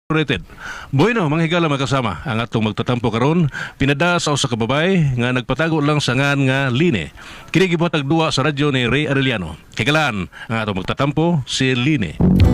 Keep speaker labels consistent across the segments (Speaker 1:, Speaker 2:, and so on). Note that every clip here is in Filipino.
Speaker 1: Rated. Bueno, mga higala makasama ang atong magtatampo karon pinada sa usa ka babay nga nagpatago lang sa ngan nga Line. Kini gibuhatag duwa sa radyo ni Ray Arellano. Kagalaan ang atong magtatampo si Line.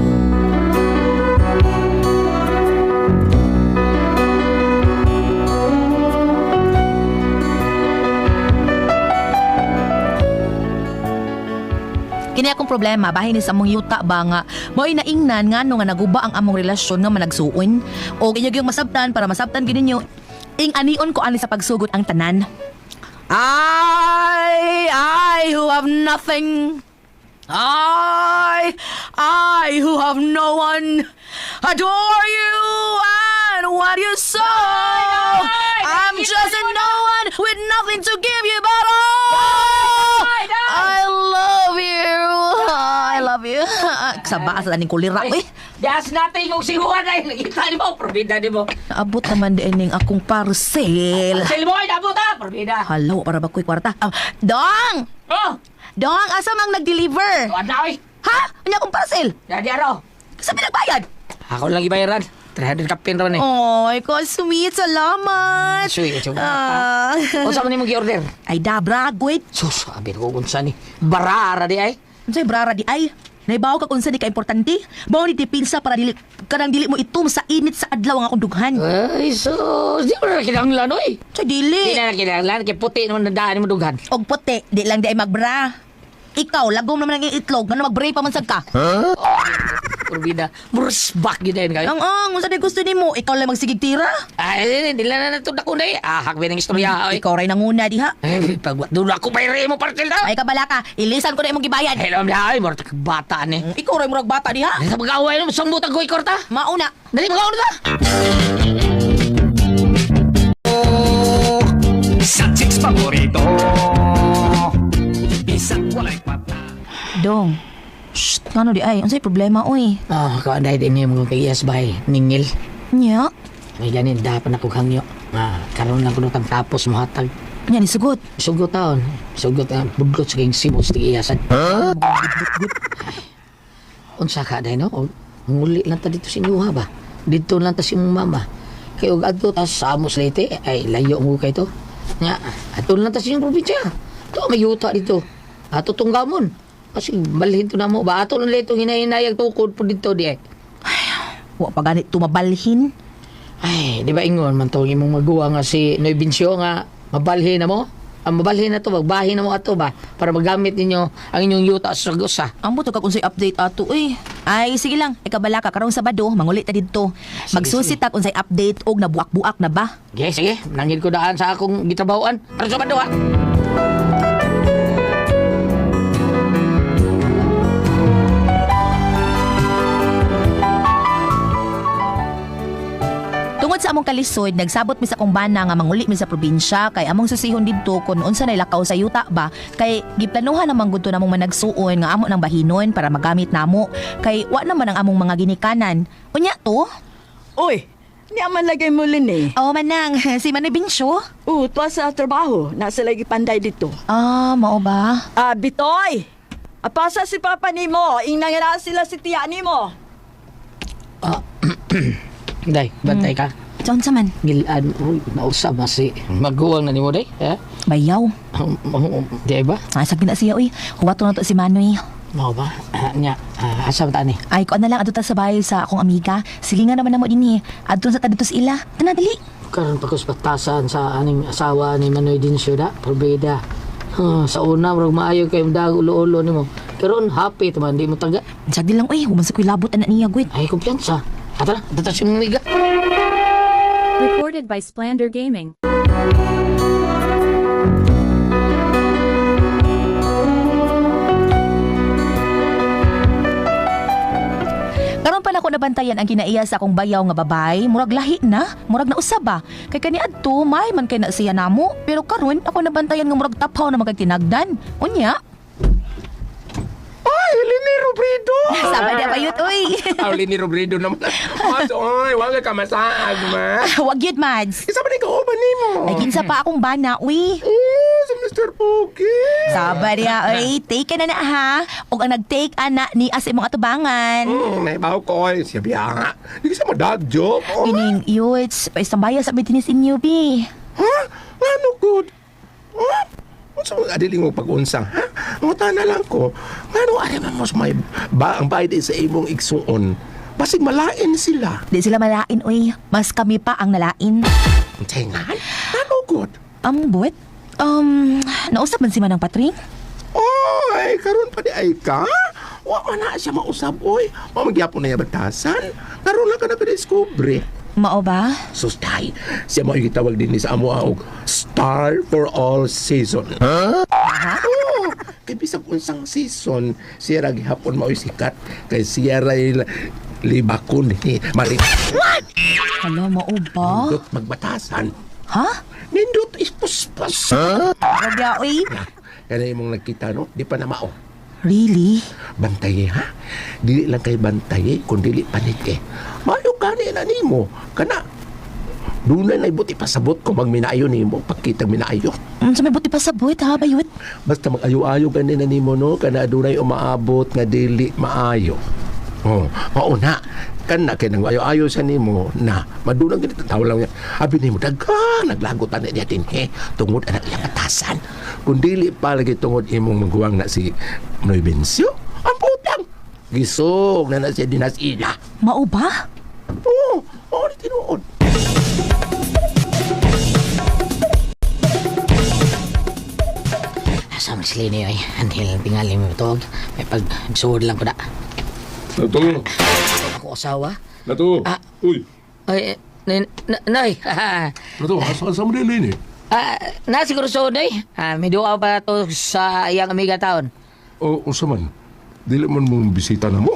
Speaker 2: Kini akong problema, bahin ni sa among yuta ba nga mo'y naingnan nga no nga naguba ang among relasyon nga managsuon o ginyog yung masabtan para masabtan gid ninyo ing anion ko ani sa pagsugod ang tanan. I who have nothing, I who have no one, adore you and what you saw. I'm just a no one with nothing to give you but I love you. I love you. Kasaba sa taning kulira eh.
Speaker 3: Das natin yung siguan ay nakita ni mo, probida ni mo.
Speaker 2: Naabot naman din ning akong parcel.
Speaker 3: Parcel mo ay nabot ha, probida.
Speaker 2: Halo, para ba ko'y kwarta? Dong!
Speaker 3: Oh,
Speaker 2: Dong, asa mang nag-deliver?
Speaker 3: tuwan na oy.
Speaker 2: Ha? Ano akong parcel?
Speaker 3: Jadi araw.
Speaker 2: Sa pinagbayad?
Speaker 3: Ako lang ibayaran. 300 kapin ron eh.
Speaker 2: Oy, ko sweet. Salamat.
Speaker 3: Sweet, sweet.
Speaker 2: Ah.
Speaker 3: O saan mo ni mag-order?
Speaker 2: Ay, dabra, gwit.
Speaker 3: Sus, sabi ko kung saan ni. Barara di ay.
Speaker 2: Ano sa'yo, brara di ay? Naibaw ka kung saan di ka-importante? Bawa ni tipinsa para kanang dili mo itum sa init sa adlaw ang akong dughan.
Speaker 3: Ay, sus. Di mo na kinanglan oy.
Speaker 2: Sa dili.
Speaker 3: Di na kinanglan. Kaya puti naman nadaan mo dughan.
Speaker 2: Og puti, di lang di ay magbra. Ikaw, lagom naman ang itlog, nga mag-bray pa man sad ka.
Speaker 3: Probida. Mursbak yun din kayo.
Speaker 2: Ang saan gusto ni mo? Ikaw lang magsigig tira?
Speaker 3: Ay, di lang na natunda ko na eh. Ahak ba ng istorya oy.
Speaker 2: Ikaw rin nanguna, diha.
Speaker 3: Ay, pag doon ako bayari mo partil na.
Speaker 2: Ay, kabala ka, ilisan ko na imong gibayad.
Speaker 3: Hello, ay, mo bata ni.
Speaker 2: Ikaw rin murag bata, diha.
Speaker 3: Sa mag-away mo, isang butang ko ikorta.
Speaker 2: Mauna.
Speaker 3: Dali, mag-away na.
Speaker 4: Sa chicks paborito Isang walay pata
Speaker 2: Dong. Shh, ano di ay? Ano sa'yo problema, oy?
Speaker 3: Oh, kaanday din niyo mga kayas bahay. Ningil.
Speaker 2: Nya?
Speaker 3: May ganin, dapat ako hangyo. Karoon lang ko nung tapos mahatag.
Speaker 2: Nya, ni sugot.
Speaker 3: Sugot taon. Sugot ang budlot sa kayong sibos di iyasan. Unsa ka day no? Nguli lang ta dito sa inyo ha ba? Dito lang ta si mong mama. Kaya og adto ta sa Amos Leyte, ay layo mo kay to. Nya, ato lang ta sa inyong probinsya. To may yuta dito. Ato tunggamon. Kasi balhin to na mo ba? Ato lang leto hinahinayag tukod po dito di ay.
Speaker 2: Wa pa ganit tumabalhin.
Speaker 3: Ay, di ba ingon man to imong magawa nga si Noy Bincio nga mabalhin na mo? Ang mabalhin na to, magbahin na mo ato ba? Para magamit ninyo ang inyong yuta sa gusa.
Speaker 2: Ang buto ka kung sa'y update ato, eh. Ay, sige lang. Ikabala ka, karong Sabado, mangulit na dito. Magsusit ta kung sa'y update og nabuak-buak na ba?
Speaker 3: Sige, sige. Nangin ko daan sa akong gitrabahoan. Para sa bando ha.
Speaker 2: Tungod sa among kalisod, nagsabot mi sa akong bana nga manguli mi sa probinsya kay among susihon didto kung unsa nay lakaw sa yuta ba kay giplanuhan namang gudto namong managsuon nga amo nang bahinon para magamit namo kay wa naman ang among mga ginikanan. Unya to?
Speaker 5: Uy, niya man lagay mo lini.
Speaker 2: Oh manang, si Manay Binsyo?
Speaker 5: Tuwa sa trabaho. Nasa lagi panday dito.
Speaker 2: Ah, mao ba?
Speaker 5: Bitoy! Apasa si papa ni mo. Inangala sila si tiya ni mo.
Speaker 3: Day, bantay ka.
Speaker 2: Saan sa man?
Speaker 3: Gilaan, uy, nausap na si maguwang na ni mo, day. Eh?
Speaker 2: Bayaw.
Speaker 3: Di ba?
Speaker 2: Asag na siya, uy. Huwato na to si Manoy.
Speaker 3: Mau ba? Nya, asa ba ni?
Speaker 2: Ay, ko na lang adto ta sa bahay sa akong amiga. Silingan naman namo dinhi. Adto sa tadto sa ila. Tana dali.
Speaker 3: Karon pagkuspatasan sa aning asawa ni Manoy Dincio da, probeda. Sa una, marag maayo kayo dag ulo-ulo ni mo. Karon happy taman, di mo taga.
Speaker 2: Sag di lang, uy. Human sa ko'y labot anak niya, gwit.
Speaker 3: Ay, kumpiyansa. Atara, datas yung miga.
Speaker 6: Recorded by Splander Gaming.
Speaker 2: Karon pa na ko nabantayan ang kinaiya sa akong bayaw nga babay, murag lahi na, murag na usaba. Kay kani adto may man kay na siya namo, pero karon ako nabantayan nga murag tapaw na magtinagdan. Unya,
Speaker 4: Ay, Lini Robredo
Speaker 2: sama na bayot uy.
Speaker 4: Ang Lini Robredo naman Mas, oy, wala ka masaag, ma
Speaker 2: Wag yun, Mads.
Speaker 4: Isa ba ni kauban ni mo?
Speaker 2: Ay, kinsa pa akong bana, uy.
Speaker 4: Oh, Mr. Pogi.
Speaker 2: Sabar ya, oy. Take ka na ha. O ang nag-take ana ni as imong atubangan.
Speaker 4: Naibaw ko ay siya biya nga. Hindi sa madadyo. Oh.
Speaker 2: Kining yuts, paisambaya sa bitinis inyo, bi.
Speaker 4: Ha? Ano good? Ha? Unsa mo adiling mo pag-unsang, ha? Nguta na lang ko. Ngano ari man mo sa may ang bayad sa imong igsuon. Basig malain sila.
Speaker 2: Di sila malain, oy. Mas kami pa ang nalain.
Speaker 4: Tingan? Ano good?
Speaker 2: Buwet? Nausap man si Manang Patring?
Speaker 4: Oy, karon pa di ay ka? Wa man na siya mausab, oy. O magyapon na niya batasan. Karon lang ka na ka-discovery.
Speaker 2: Mao ba?
Speaker 4: Sustay, siya mo gitawag din ni sa amo og star for all season. Ha? Oo. Kay bisag unsang season, siya ra gihapon mao'y sikat. Kay siya ra libakon ni Marit.
Speaker 2: Hala, mao ba?
Speaker 4: Nindot magbatasan.
Speaker 2: Ha?
Speaker 4: Nindot ispuspas.
Speaker 2: Ragya, oy.
Speaker 4: Kaya imong nagkita, no? Di pa na mao.
Speaker 2: Really?
Speaker 4: Bantaye, ha? Dili lang kay bantaye, kung dili panit eh. Mayo ka na nimo. Kana, doon na ibuti pasabot ko magminayo nimo. Pagkitang minayo.
Speaker 2: Sa may buti pa sa buwet, ha, bayot?
Speaker 4: Basta mag-ayo-ayo ganina nimo, no? Kana dunay umaabot nga dili maayo. Oh, mauna. Kana kay nang ayo-ayo sa nimo na madunang ganito tawo lang niya. Abi nimo daghang naglagotan na niya din tungod anak iyang batasan. Kung dili pa lagi tungod imong magguwang na si Noy Bencio, ang putang gisog na siya dinas ila.
Speaker 2: Mao ba?
Speaker 4: Oo, di tinuod.
Speaker 3: Asa man sila niyo ay. Anhil tingali mo ito. May pag-suod lang ko na.
Speaker 4: Nato,
Speaker 3: Ako asawa.
Speaker 4: nato.
Speaker 3: Ah.
Speaker 4: Uy,
Speaker 3: Ay, Noy.
Speaker 4: nato, asa mo din eh.
Speaker 3: Na siguro so, Noy. May duwa pa to sa iyang amiga taon.
Speaker 4: O, unsa man? Dili man mo bisita na mo.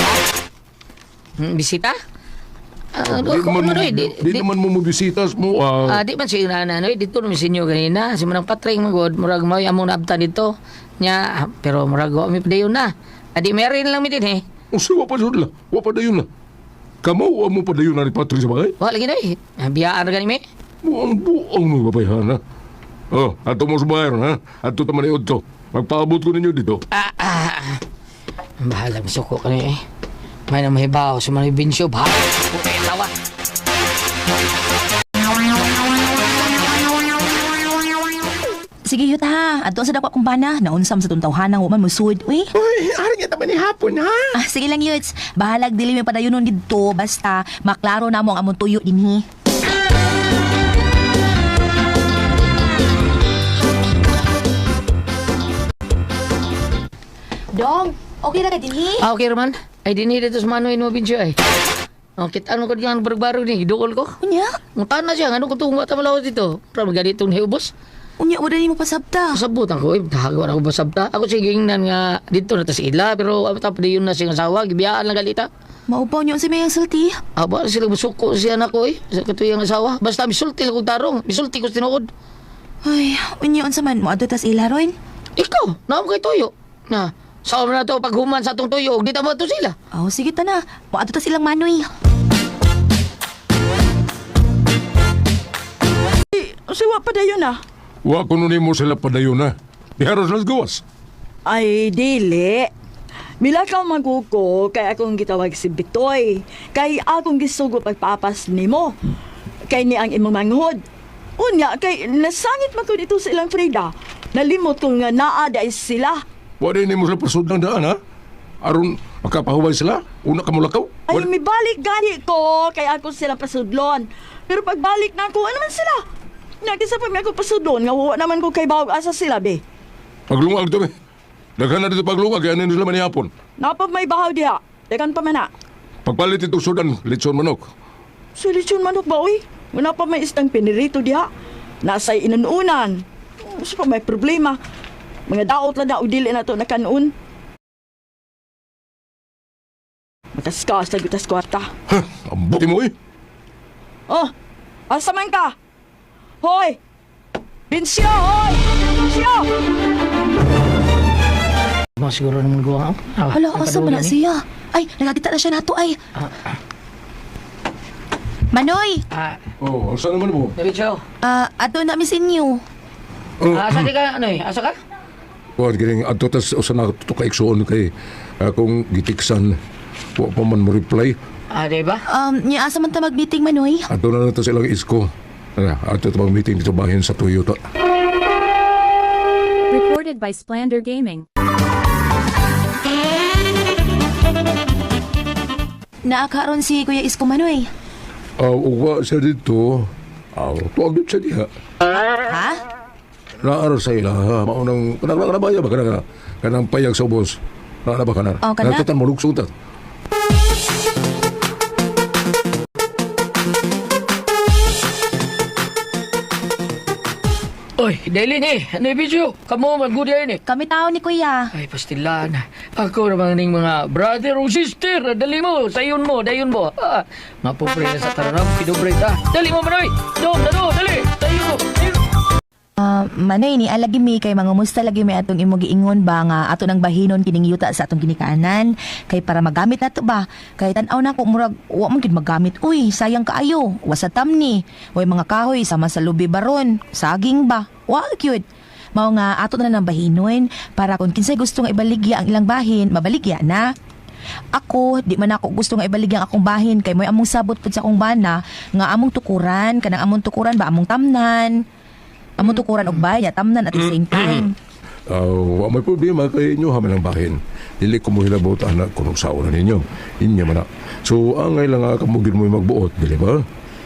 Speaker 3: Bisita?
Speaker 4: Di naman mo bisita mo.
Speaker 3: Di man siya na Noy. Dito namin sinyo ganina. Si Manang Patring magod. Murag mo among naabtan dito. Nya, pero murag ko kami padayon na. Adi meron lang mi din eh.
Speaker 4: Unsa wa pa jud la? Wa pa dayon na. Kamo wa mo pa dayon na ni Patrick sa bagay?
Speaker 3: Wala lagi Noy. Biyaan ra gani mi.
Speaker 4: Buang mo babayhan ha. Oh, ato mo sa bayan ha. Ato taman ni Udto. Magpaabot ko ninyo dito.
Speaker 3: Bahala misuko ka ni eh. May na mahibaw sa mga binsyo. Bahala misuko ka yung tawa.
Speaker 2: Sige, yut ha. Ato sa dakwa kong bana. Naunsam sa tuntawhanang waman mo suod, uy.
Speaker 4: Uy, ari nga taman ni hapon ha.
Speaker 2: Sige lang, yuts. Bahalag dili may padayonon dito. Basta, maklaro na mo ang among tuyo dinhi. Dong, okay na ka dinhi?
Speaker 3: Okay, Roman. Ay, dinhi dito sa manoy mo binsyo ay. Kita ano ko diyan barog-barog ni. Dukol ko.
Speaker 2: Unya?
Speaker 3: Muntahan na siya. Ano ko tungo at malaw dito. Para maganitong hiubos.
Speaker 2: Unya, wala ni mo pasabta.
Speaker 3: Sabutan ko, tahago na ko ba sabta? Ako sige nan nga dito na ta sa ila, pero tapos yun na siyang asawa, gibiyaan lang galita.
Speaker 2: Maupaw niyo si Mayang Salty.
Speaker 3: Aba, sila musuko siya na ko sa katuyang asawa. Basta misulti lang kong tarong, misulti ko tinuod.
Speaker 2: Ay, unya, unsa man mo adto tas ila, Roy?
Speaker 3: Ikaw, naam kay tuyo. Na, saan na to paghuman sa atong tuyo, di tama to sila.
Speaker 2: Oh, sige ta na. Mo adto tas ilang manoy.
Speaker 5: Siwa pa dayon na.
Speaker 4: Wa ko nun mo sila padayon na. Diharos nas gawas.
Speaker 5: Ay, dili. Mila ka maguko, kay akong gitawag si Bitoy. Kay akong gisugo pagpapas nimo. Kay ni ang imong manghod. Unya, kay nasangit man ko dito sa ilang Frida. Nalimot ko nga naa dahil sila.
Speaker 4: Wa din mo sila pasud ng daan ha. Aron makapahuway sila. Una ka mulakaw.
Speaker 5: Ay, may balik gani ko, kay ako sila pasudlon. Pero pagbalik na ako, ano man sila? Nakisa pa may ako pasudlon, nga wawa naman ko kay bawag asa sila, be.
Speaker 4: Paglungag to be. Daghan na dito paglungag. Kaya nila man ihapon.
Speaker 5: Napag may bahaw diha. Dekan pa man na.
Speaker 4: Pagpalit itong sudan, litson manok.
Speaker 5: Sulisyon manok ba, uy? Wala pa may istang pinirito diha. Nasa'y inununan. Gusto pa may problema. Mga daot lang na udili na to na kanuun. Mataskas na gutas kwarta.
Speaker 4: Ha, ambuti mo eh.
Speaker 5: Oh, asa man ka? Hoy! Binsyo, hoy! Binsyo!
Speaker 3: Mga siguro naman gawa ako.
Speaker 2: Hala, asa man na siya? Ay, nagagita na siya nato ay. Manoy!
Speaker 4: Oh, saan naman mo?
Speaker 3: Diretso.
Speaker 2: Ato na misin niyo.
Speaker 3: Asa di ka, ano eh? Asa ka?
Speaker 4: Kuan gining adto tas usa na to ka igsuon kay akong gitiksan wa pa man mo reply.
Speaker 3: Di ba?
Speaker 2: Nya asa man ta mag-meeting Manoy?
Speaker 4: Adto na lang to silang isko. Adto to mag-meeting dito bahin sa Toyota.
Speaker 6: Recorded by Splander Gaming.
Speaker 2: Naakaron si Kuya Isko Manoy.
Speaker 4: Uwa siya dito. Tuwag dito siya diha.
Speaker 2: Ha?
Speaker 4: Naaro sa ila, ha? Maunang, kanang baya ba? Kanang payag sa ubos. Naara ba kanar?
Speaker 2: Oh, kana?
Speaker 4: Nagtatan mo, luksutat.
Speaker 3: Oy, dali ni. Ano yung video? Kamu, magudya yun eh.
Speaker 2: Kami tao ni Kuya.
Speaker 3: Ay, pastilan. Ako naman ning mga brother o sister. Dali mo, sayon mo, dayon mo. Mapubre na sa taranam, pinubre ta. Dali mo, Manoy. Dali. Sayon mo.
Speaker 2: Manoy ni alagi mi kay mangumusta lagi mi atong imo giingon ba nga ato nang bahinon kining yuta sa atong ginikanan kay para magamit nato ba kay tan-aw na ko murag wa man gid magamit uy sayang kaayo wasatam ni way mga kahoy sama sa lubi baron saging ba wa cute mao nga ato na nang bahinon para kung kinsay gusto nga ibaligya ang ilang bahin mabaligya na. Ako, di man ako gusto nga ibaligya ang akong bahin kay mo'y among sabot pud sa akong bana nga among tukuran kanang among tukuran ba among tamnan. Amo tukuran og bayad, tamnan at the same time.
Speaker 4: Wa may problema kay inyo haman ang bahin. Dili ko mo hilabot anak kung sauna ninyo. Inya man na. So, angay lang nga kamugin mo magbuot, dili ba?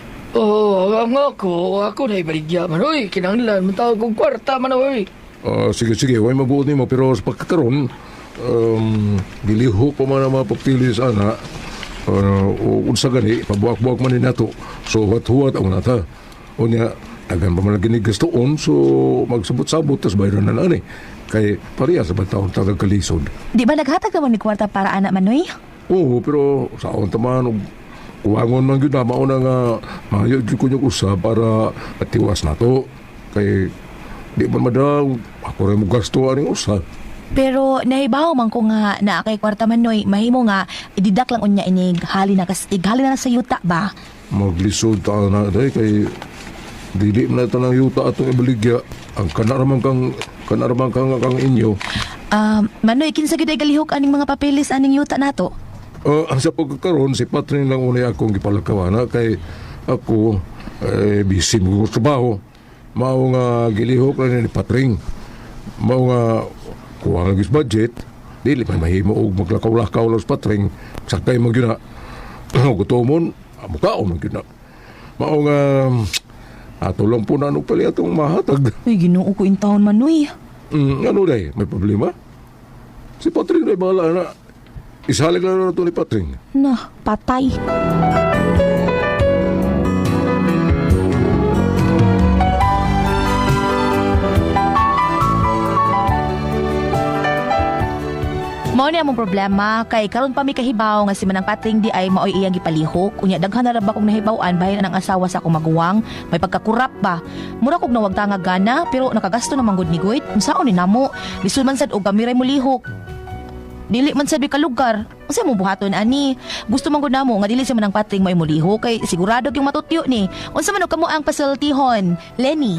Speaker 3: Ang ako na ibaligya, Manoy. Kinanglan, matawag kong kwarta, Manoy.
Speaker 4: Sige, way magbuot nimo pero sa pagkakaroon, diliho pa man ang mga papili sa ana. Unsa gani, pabuak-buak man ni nato. So, huwat-huwat ang nata. Unya, tagan pa man ginigastoon, so magsabot-sabot, tas bayaran na lang kay pareha sa batawang tagang kalisod.
Speaker 2: Di ba naghatag naman ni kwarta para anak Manoy?
Speaker 4: Oo, pero sa akong taman, kuwangon man yun na, mauna nga, mayag yun ko niyong usa para atiwas na to. Kay, di man madaw, ako rin mo gasto aning usa.
Speaker 2: Pero nahibaw man ko nga na kay kwarta Manoy, mahimo nga ididak lang unya inig hali na kastig, hali na sa yuta ba?
Speaker 4: Maglisod ta na, kay dili man na ito ng yuta atong ibaligya. Ang kanaraman kang inyo.
Speaker 2: Manoy, kinsa gid ay galihok aning mga papeles aning yuta nato?
Speaker 4: Ang sa pagkakaroon, si Patring lang unay akong gipalakawana kay ako, busy mo sa trabaho. Mao nga gilihok lang ni Patring. Mao nga kuha nga gis budget, dili man mahimo og maglakaw-lakaw lang sa Patring. Sakay mo gyud na. Gutomon, mukaon mo gyud na. Mao nga ato lang po na ano pala itong mahatag.
Speaker 2: Uy, Ginoo ko in taon Manoy.
Speaker 4: Ano day? May problema? Si Patring na bahala na. Isalig lang na ito ni Patring.
Speaker 2: Na, patay. Mao ni among problema kay karon pa mi kahibaw nga si Manang Patring di ay maoy iyang gipalihok unya daghan na ra ba kong nahibaw-an bahin ang asawa sa akong maguwang may pagkakurap ba mura kog nawag tanga gana pero nakagasto naman gud ni Goit unsaon ni namo lisod man sad og kamiray mo lihok dili man sad kalugar unsa mo buhaton ani gusto man gud namo nga dili si Manang Patring may mulihok kay sigurado gyung matutyo ni unsa man og kamo ang pasultihon Lenny.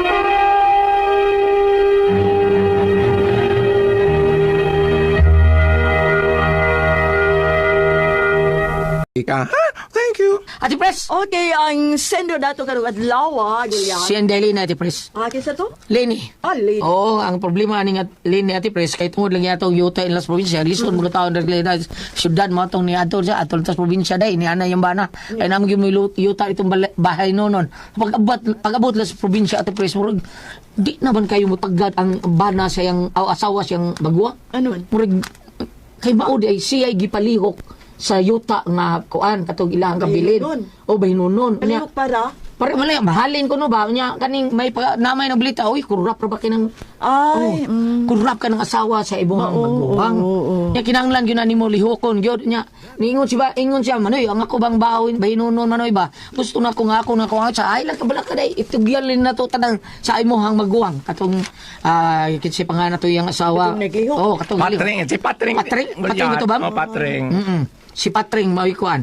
Speaker 4: Ika, ha? Thank you.
Speaker 3: Ati Pres!
Speaker 5: Okay, ang sender dato karong adlaw, Gillian.
Speaker 3: Si Andeli na, Ati Pres.
Speaker 5: Kinsa to?
Speaker 3: Lenny.
Speaker 5: Lady.
Speaker 3: Oo, ang problema ni Lenny, Ati Pres, kay tungod lang yato yuta in las probinsya, lisod mga taon na syudad mo itong ni ato sa atol tas probinsya day, ni ana yung bana. Ay naman yung yuta itong bahay nonon. Pag-abot lang sa probinsya, Ati Pres, murag, di naman kayo mapagad ang bana sa yung asawa siyang bagwa.
Speaker 5: Ano man?
Speaker 3: Murag, kay maudi ay siya ay gipalihok sa yuta nga kuan katong ilang kabilin
Speaker 5: Bahinunon.
Speaker 3: o bahinunon nya
Speaker 5: Kalihok para?
Speaker 3: pare malay mahalin ko no ba nya kaning may namay na blita oy kurap ra ba kinang
Speaker 5: Ay,
Speaker 3: kurap ka ng asawa sa ibong maguwang nya kinahanglan gyud na nimo lihokon gyud nya niingon siya Manoy ang ako bang bawin bahinunon Manoy ba gusto na ko nga ako na kuha sa ay lang kabala ka day itugyalin na to tanang sa imong maguwang katong kitsi pa nga na to yung asawa
Speaker 5: Katong naglihok.
Speaker 3: katong
Speaker 7: Patring, si Patring.
Speaker 3: Patring ito ba?
Speaker 7: Oh, Patring.
Speaker 3: Si Patring, mawikuan.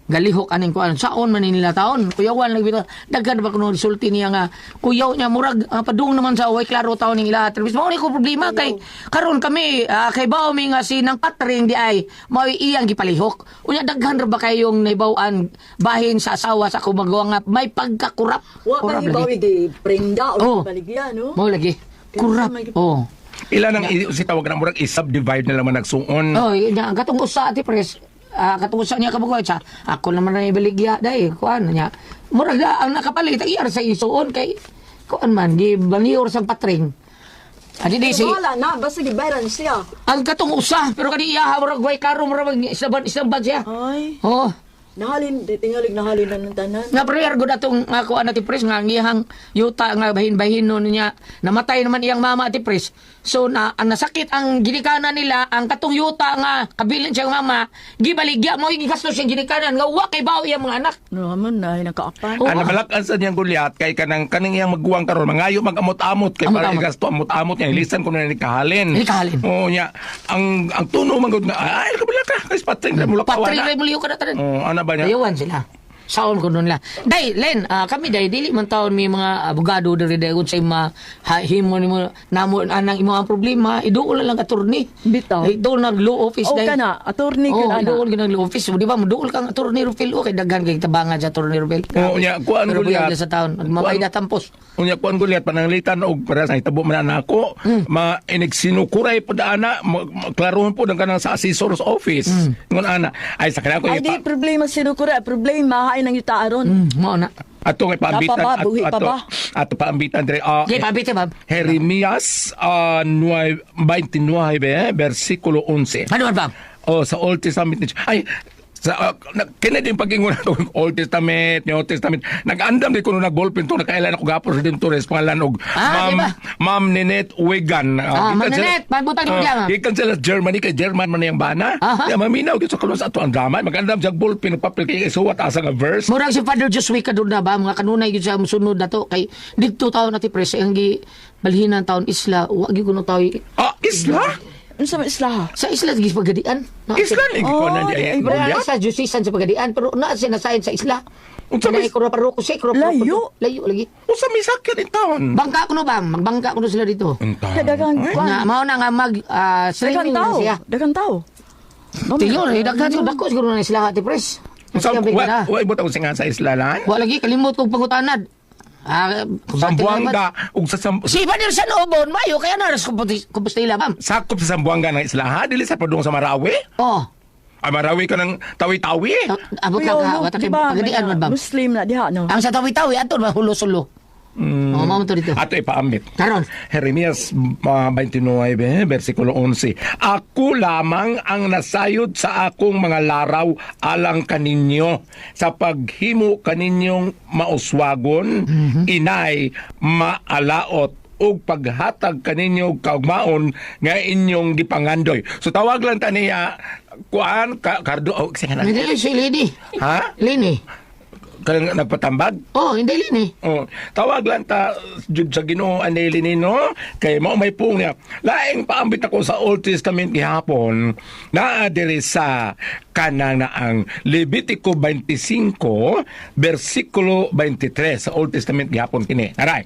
Speaker 3: galihok aning kuan saon man nila taon kuyawan lagi bitaw daghan ba kuno resulti niya nga kuyaw niya murag padung naman sa way klaro taon ning ila terus mao ni ko problema kay karon kami kay bawo mi nga si nang patring di ay mao iyang gipalihok unya daghan ra ba kayong naibaw-an bahin sa asawa sa kumagawa nga may pagkakurap
Speaker 5: Wa pa
Speaker 3: lagi.
Speaker 5: bawi di prenda
Speaker 3: Oh.
Speaker 5: o baligya no.
Speaker 3: Mao lagi kurap oh
Speaker 7: Ilan ang si tawag na murag i-subdivide na naman nagsuon.
Speaker 3: oh nya katong usa ati pres katong usa niya kabugoy sa ako naman na ibaligya dai kuan niya murag ang nakapalit ang iyar sa isuon kay kuan man di banior sa patring adi di si
Speaker 5: Wala na basta gibayaran siya.
Speaker 3: ang katong usa pero kani iya murag way karo murag isang bag siya
Speaker 5: Ay,
Speaker 3: oh
Speaker 5: nahalin tingalig nahalin na ng tanan.
Speaker 3: nga prayer gud atong ako ati pres nga ang iyang yuta nga bahin-bahin niya namatay naman iyang mama ati pres so ang nasakit ang ginikanan nila ang katong yuta nga kabilin siyang mama gibaligya mo gigastos siyang ginikanan nga wa kay bawo iyang mga anak
Speaker 5: No, man na nakaapan.
Speaker 3: Oh.
Speaker 7: Ang nabalakan sa niyang Goliath kay kaning iyang magguwang karon mangayo magamot-amot kay para
Speaker 3: Amot-amot.
Speaker 7: igasto amot-amot niya ilisan ko na ni kahalin.
Speaker 3: Ni kahalin.
Speaker 7: Oo niya ang tuno man gud nga ay kabila ka kay patring na mula
Speaker 3: patri
Speaker 7: kawana.
Speaker 3: ray muliyo ka na tanan
Speaker 7: Oh ana ba niya?
Speaker 3: dayawan sila saon ko nun la day len kami day dili man taon may mga abogado diri day kun sa himo nimo namo anang imo ang problema iduol na lang attorney
Speaker 5: Bitaw.
Speaker 3: iduol nag law office
Speaker 5: O
Speaker 3: day
Speaker 5: ka na, attorney ka
Speaker 3: oh
Speaker 5: na.
Speaker 3: iduol ka ng law office di ba muduol kang attorney Rufil okay daghan kay tabangan sa attorney Rufil
Speaker 7: Oo niya kuan
Speaker 3: pero
Speaker 7: Goliath.
Speaker 3: sa taon magmamayda tampos
Speaker 7: Unya kuan Goliath pananglitan og para sa hitabo man nako inig sinukuray pod ana klarohon pod ang kanang sa assessor's office ngon ana ay sa kanako
Speaker 5: Ay di problema sinukura, problema hain ang yuta aron.
Speaker 3: mo na
Speaker 7: ato kay paambitan
Speaker 5: Napa ba? Buhi pa ba?
Speaker 7: ato paambitan dire
Speaker 3: di pabite ba
Speaker 7: Jeremías 29 versikulo 11.
Speaker 3: ano ba
Speaker 7: Oh, sa Old Testament. Ay, sa kina din pag-ingon nato Old Testament, New Testament. Nag-andam di ko nung nag-ballpen to, nakailan ako gapos din to pangalan og
Speaker 3: Ah, di ba?
Speaker 7: Ma'am Ninette Wigan.
Speaker 3: Ma'am Ninette, pagbutan ko diyan.
Speaker 7: Ikan sila Germany, kay German man yung bana.
Speaker 3: Aha.
Speaker 7: Kaya maminaw dito sa kalos ato ang drama. Mag-andam siya ballpen, papel kay isuwat asa nga verse.
Speaker 3: murag si Father Josué kadun na ba mga kanunay gyud sa sunod na to kay didto taon ati pres ang gi balhinan taon isla wa gyud kuno tawo
Speaker 7: Isla?
Speaker 5: Unsa man isla?
Speaker 3: sa isla gi pagadian
Speaker 7: Isla ni ko na
Speaker 5: Oh,
Speaker 7: diya.
Speaker 5: ay,
Speaker 3: Wala sa justisan sa pagadian pero na sinasayin sa isla.
Speaker 7: Unsa
Speaker 3: Unsa
Speaker 7: may-
Speaker 3: ko na paroko si ko
Speaker 5: Layo.
Speaker 3: layo lagi.
Speaker 7: Usa may sakit in town.
Speaker 3: Bangka ko no ba? Magbangka ko no sila dito.
Speaker 5: Dagang
Speaker 3: Na mao na nga mag
Speaker 5: dagang
Speaker 3: streaming na
Speaker 5: tao.
Speaker 3: siya.
Speaker 5: Dagang tao.
Speaker 3: Tiyor, daghan siguro dako siguro na sila ati pres.
Speaker 7: So,
Speaker 3: Sabi ka na.
Speaker 7: wa ibot ako singa sa isla lan.
Speaker 3: Wa lagi kalimot kog pangutanad.
Speaker 7: Sambuanga ug sa
Speaker 3: Si Father San Obon, mayo kaya na ras Compostela ma'am.
Speaker 7: sakop sa Sambuanga ng isla ha dili sa padung sa Marawi.
Speaker 3: Oh,
Speaker 7: Ay Marawi ka ng tawi-tawi.
Speaker 3: abot lang ka, wata kay pagadian man ba?
Speaker 5: Muslim na diha no.
Speaker 3: Ang sa tawi-tawi ato ba hulo-sulo. Oh, mao to dito.
Speaker 7: Ato ipaambit.
Speaker 3: Karon.
Speaker 7: Jeremias 29, versikulo 11. Ako lamang ang nasayod sa akong mga laraw alang kaninyo sa paghimo kaninyong mauswagon, inay, maalaot, ug paghatag kaninyo kaugmaon nga inyong gipangandoy. So tawag lang ta niya kuan kardo sige na.
Speaker 3: Hindi si Lini.
Speaker 7: Ha?
Speaker 3: Lini.
Speaker 7: Kanang nagpatambag?
Speaker 3: Oh, hindi Lini.
Speaker 7: Oh, tawag lang ta jud sa Ginoo aneli nino kay mao may pung niya. Laing paambit ako sa Old Testament gihapon naa diri sa kanang na ang Levitico 25 versikulo 23 sa Old Testament gihapon kini. Aray.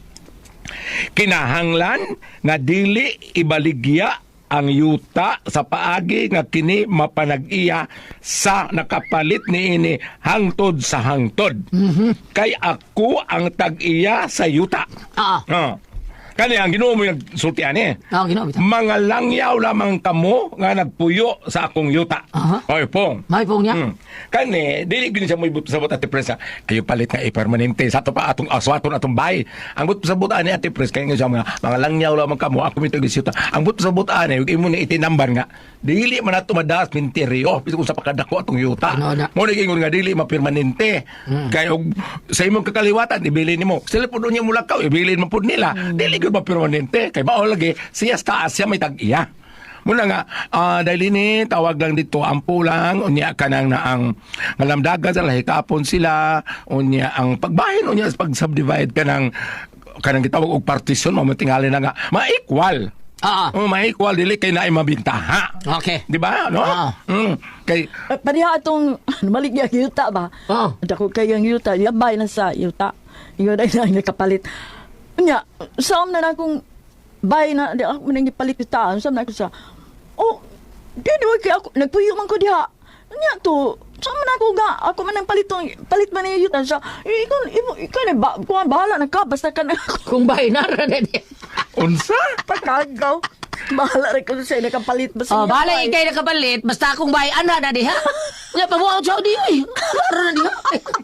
Speaker 7: Kinahanglan nga dili ibaligya ang yuta sa paagi nga kini mapanag-iya sa nakapalit niini hangtod sa hangtod. Kay ako ang tag-iya sa yuta.
Speaker 3: Ah.
Speaker 7: Kani ang Ginoo mo nagsultian eh.
Speaker 3: Ah, Ginoo bitaw.
Speaker 7: Mga langyaw lamang kamo nga nagpuyo sa akong yuta.
Speaker 3: Aha.
Speaker 7: Oy, pong.
Speaker 3: May pong niya.
Speaker 7: Kani, dili gini siya mo ibut-sabot ati presa. Ayo palit nga permanente sa ato pa atong aswaton atong bay. Ang but-sabot ani ati pres kay nga siya mga langyaw lamang kamo ako mitag yuta. Ang but-sabot ani ug imo ni itinamban nga dili man ato madaas minteryo bisan kung sa pakadako atong yuta.
Speaker 3: Ano na?
Speaker 7: Mo ni ingon nga dili mapermanente. Kay og sa imong kakaliwatan ibili nimo. Sila pud niya mulakaw ibili man pud nila. Dili gud mapermanente kay mao lagi siya sa taas siya may tag-iya. Muna nga, dahil ini, tawag lang dito, ampo lang, unya ka nang na ang ngalamdagan sa lahikapon sila, unya ang pagbahin, unya sa pag-subdivide ka ng gitawag og partition, mamatingali na nga, ma-equal. May equal dili kay naay mabintaha.
Speaker 3: Okay.
Speaker 7: Di ba? No? Kay
Speaker 5: Padiha atong malik niya yuta ba?
Speaker 3: Oo.
Speaker 5: Dako kayang yuta, yabay na sa yuta. Yun ay nakapalit. Nya, saan na akong bay na di ako man palit yuta. Saan na ako sa di kay ako nagpuyo man ko diha. Nya to, saan man ako ga? Ako man ang palit man yung yuta sa. Ikaw na ba? Kuha bahala na ka basta ka na ako.
Speaker 3: Kung bahay na rin.
Speaker 7: unsa?
Speaker 5: Pagkagaw. Bahala rin ko sa nakapalit ba sa
Speaker 3: Bala ikay nakapalit, basta akong bahay, ana na diha. Nga, pabuaw siya di, ay. Laro na diha.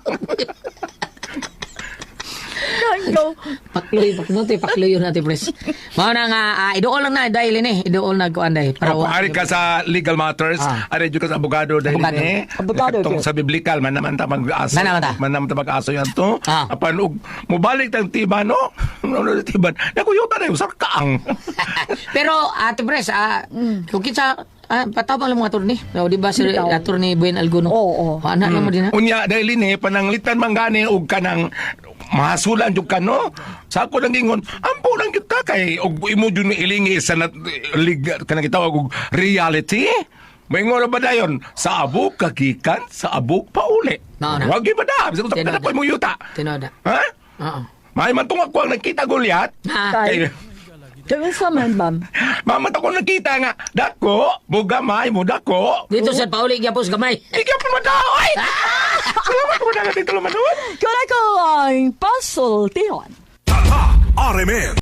Speaker 5: Pagkagaw.
Speaker 3: Pakloy yun natin, pres. Mao na nga, idool lang na, dahil ini, idool na kuan dahil.
Speaker 7: Ari ka sa legal matters, ari jud ka sa abogado dahil
Speaker 3: Abogado.
Speaker 7: ni.
Speaker 5: Abogado,
Speaker 7: Katong
Speaker 5: okay.
Speaker 7: sa biblikal man naman ta mag-aso.
Speaker 3: Man naman ta.
Speaker 7: mag-aso yan to. Apan og mobalik tang tiban no. Ano tiban? Nakuyuta na yung sarkaang.
Speaker 3: Pero, ate pres, kung kitsa, patawag lang mga attorney. Di ba si attorney Buen Alguno?
Speaker 5: Oo.
Speaker 3: Anak lang mo din ha?
Speaker 7: Unya dahil ni pananglitan man gani og kanang mahasulan jud ka no. Sa ako lang gingon, ampo lang kita kay og imo jud ni ilingi sa kanang gitawag og reality. Maingon ba dayon sa abog kagikan sa abog pauli.
Speaker 3: No.
Speaker 7: Wag gyud ba da? Bisa ko
Speaker 3: Tinoda.
Speaker 7: ko mo yuta.
Speaker 3: Tinoda.
Speaker 7: Ha?
Speaker 3: Oo.
Speaker 7: May man tungag ko ang nakita Goliath.
Speaker 5: Kay, kaya sa man, ma'am.
Speaker 7: Mamat ako nakita nga, dako, bugamay mo dako.
Speaker 3: Dito sa pauli, gyapos gamay.
Speaker 7: Ikaw pa madaw, ay! Salamat mo na natin tuluman doon.
Speaker 5: Kaya ko ang puzzle, Tihon.
Speaker 8: Tata RMN